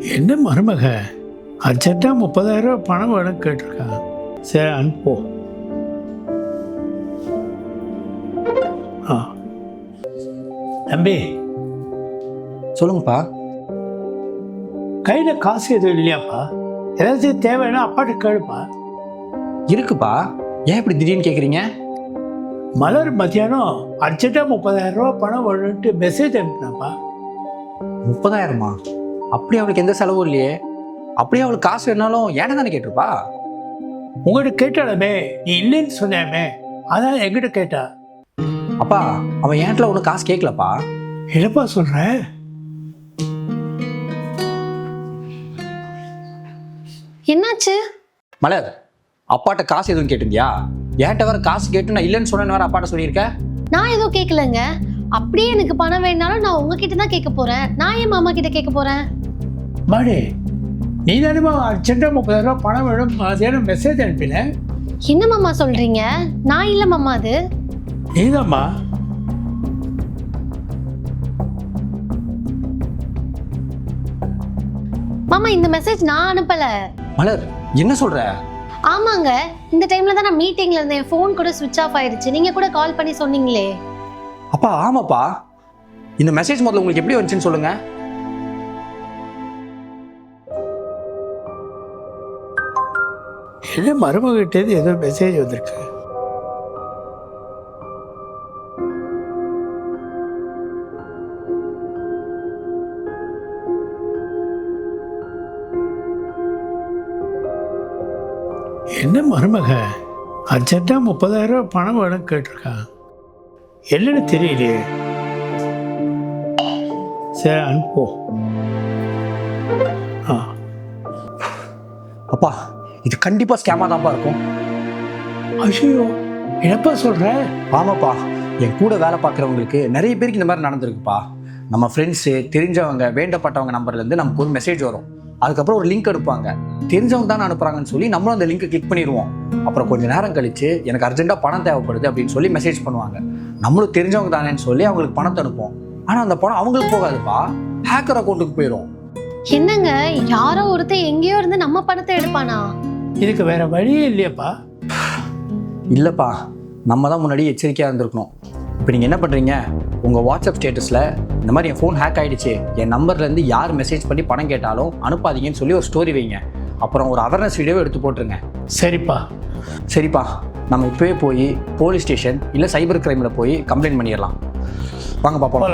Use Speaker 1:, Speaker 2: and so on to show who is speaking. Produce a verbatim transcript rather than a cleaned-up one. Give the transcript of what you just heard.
Speaker 1: என்ன மருமக அர்ஜென்ட்டாக முப்பதாயிரம் ரூபா பணம் வேணும் கேட்டிருக்கா. சரி அனுப்போ. ஆ தம்பி
Speaker 2: சொல்லுங்கப்பா.
Speaker 1: கையில் காசு எதுவும் இல்லையாப்பா? ஏதாச்சும் தேவைன்னா அப்பாட்ட கேளுப்பா.
Speaker 2: இருக்குப்பா. ஏன் இப்படி திடீர்னு கேட்குறீங்க?
Speaker 1: மலர் மத்தியானம் அர்ஜென்ட்டாக முப்பதாயிரம் ரூபா பணம் வேணும்ட்டு மெசேஜ் அனுப்பினாப்பா.
Speaker 2: முப்பதாயிரமா? அப்படி அவளுக்கு எந்த செலவும் இல்லையே. அப்படியே அவளுக்கு காசு வேணாலும் ஏன்டா தானே கேட்டிருப்பா.
Speaker 1: உங்கள்கிட்ட கேட்டாலுமே நீ இல்லைன்னு சொன்னாமே, அதான் என்கிட்ட கேட்டா.
Speaker 2: அப்பா அவன் ஏன்ட்ல ஒன்றும் காசு கேட்கலப்பா.
Speaker 1: என்னப்பா சொல்ற?
Speaker 3: என்னாச்சு?
Speaker 2: மலர், அப்பாட்ட காசு எதுவும் கேட்டிருந்தியா? ஏன்ட்ட வேற காசு கேட்டு நான் இல்லைன்னு சொன்னேன்னு வேற அப்பாட்ட சொல்லியிருக்கேன்.
Speaker 3: நான் எதுவும் கேட்கலங்க. அப்படியே எனக்கு பணம் வேணாலும் நான் உங்ககிட்ட தான் கேட்க போறேன். நான் ஏன் மாமா கிட்ட கேட்க போறேன்?
Speaker 1: மாடே, நீ தானேமா அர்ஜென்ட்டாக முப்பதாயிரம் ரூபா பணம் வேணும் மத்தியானம் மெசேஜ் அனுப்பினேன்.
Speaker 3: என்ன மாமா சொல்றீங்க? நான் இல்ல மாமா, அது
Speaker 1: நீதாம்மா.
Speaker 3: மாமா இந்த மெசேஜ் நான் அனுப்பல.
Speaker 2: மலர் என்ன சொல்ற?
Speaker 3: ஆமாங்க, இந்த டைம்ல தான் நான் மீட்டிங்ல இருந்தேன். ஃபோன் கூட சுவிட்ச் ஆஃப் ஆயிடுச்சு. நீங்க கூட கால் பண்ணி சொன்னீங்களே.
Speaker 2: அப்பா ஆமாப்பா. இந்த மெசேஜ் முதல்ல உங்களுக்கு எப்படி வந்துச்சுன்னு சொல்லுங்க.
Speaker 1: என்ன மருமகிட்டேருந்து ஏதோ மெசேஜ் வந்திருக்கு. என்ன மருமக அர்ஜென்ட்டாக முப்பதாயிரம் ரூபா பணம் வேணும் கேட்டிருக்கா. என்னன்னு தெரியலையே. சரி அனுப்போ. ஆ
Speaker 2: அப்பா இது கண்டிப்பா ஸ்கேமா தான்ப்பா இருக்கும்.
Speaker 1: ஐயோ, என்னப்பா சொல்ற?
Speaker 2: ஆமாப்பா, என் கூட வேலை பார்க்குறவங்களுக்கு நிறைய பேருக்கு இந்த மாதிரி நடந்திருக்குப்பா. நம்ம ஃப்ரெண்ட்ஸு, தெரிஞ்சவங்க, வேண்டப்பட்டவங்க நம்பர்லேருந்து நமக்கு ஒரு மெசேஜ் வரும். அதுக்கப்புறம் ஒரு லிங்க் அனுப்புவாங்க. தெரிஞ்சவங்க தானே அனுப்புகிறாங்கன்னு சொல்லி நம்மளும் அந்த லிங்க்கை கிளிக் பண்ணிடுவோம். அப்புறம் கொஞ்சம் நேரம் கழிச்சு எனக்கு அர்ஜென்ட்டாக பணம் தேவைப்படுது அப்படின்னு சொல்லி மெசேஜ் பண்ணுவாங்க. நம்மளும் தெரிஞ்சவங்க தானேன்னு சொல்லி அவங்களுக்கு பணத்தை அனுப்புவோம். ஆனால் அந்த பணம் அவங்களுக்கு போகாதுப்பா, ஹேக்கர் அக்கௌண்ட்டுக்கு போயிடும்.
Speaker 3: என்னங்க, யாரோ ஒருத்தர் எங்கேயோ இருந்து நம்ம பணத்தை எடுப்பானா?
Speaker 1: இதுக்கு வேற வழியே இல்லையாப்பா?
Speaker 2: இல்லைப்பா, நம்ம தான் முன்னாடி எச்சரிக்கையாக இருந்திருக்கணும். இப்போ நீங்கள் என்ன பண்ணுறீங்க, உங்கள் வாட்ஸ்அப் ஸ்டேட்டஸில் இந்த மாதிரி என் ஃபோன் ஹேக் ஆகிடுச்சு, என் நம்பர்லேருந்து யார் மெசேஜ் பண்ணி பணம் கேட்டாலும் அனுப்பாதீங்கன்னு சொல்லி ஒரு ஸ்டோரி வைங்க. அப்புறம் ஒரு அவேர்னஸ் வீடியோவை எடுத்து போட்டுருங்க.
Speaker 1: சரிப்பா.
Speaker 2: சரிப்பா, நம்ம இப்போவே போய் போலீஸ் ஸ்டேஷன் இல்லை சைபர் கிரைமில் போய் கம்ப்ளைண்ட் பண்ணிடலாம். வாங்க பாப்போம்.